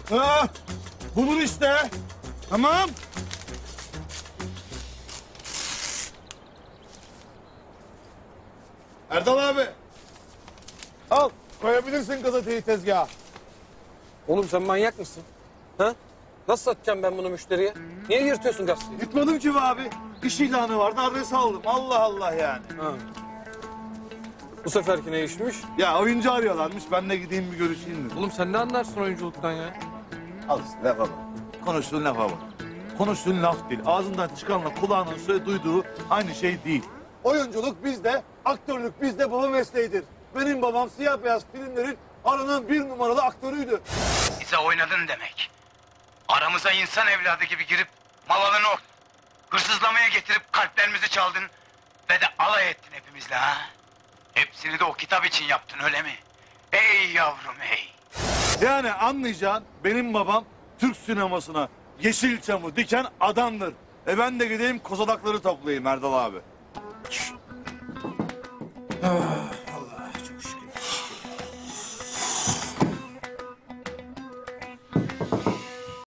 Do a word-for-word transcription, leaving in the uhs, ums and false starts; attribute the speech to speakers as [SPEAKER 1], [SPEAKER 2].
[SPEAKER 1] Ha, bulur işte. Tamam. Erdal abi. Al, koyabilirsin gazeteyi tezgaha.
[SPEAKER 2] Oğlum sen manyak mısın? Ha? Nasıl satacağım ben bunu müşteriye? Niye yırtıyorsun gazeteyi?
[SPEAKER 1] Gitmedim ki be abi. İş ilanı vardı, adres aldım. Allah Allah yani.
[SPEAKER 2] Ha. Bu seferki ne işmiş?
[SPEAKER 1] Ya oyuncu arıyorlarmış, ben de gideyim bir görüşeyim dedim.
[SPEAKER 2] Oğlum sen ne anlarsın oyunculuktan ya?
[SPEAKER 1] Al işte lafa bak. Konuştuğun lafa bak. Konuştuğun laf değil. Ağzından çıkanla kulağının söyle duyduğu aynı şey değil. Oyunculuk bizde, aktörlük bizde baba mesleğidir. Benim babam siyah beyaz filmlerin aranan bir numaralı aktörüydü.
[SPEAKER 3] Bize oynadın demek. Aramıza insan evladı gibi girip malını hırsızlamaya getirip kalplerimizi çaldın ve de alay ettin hepimizle ha. Hepsini de o kitap için yaptın öyle mi? Ey yavrum ey.
[SPEAKER 1] Yani anlayacağın benim babam Türk sinemasına Yeşilçam'ı diken adamdır. E ben de gideyim kozalakları toplayayım Erdal abi.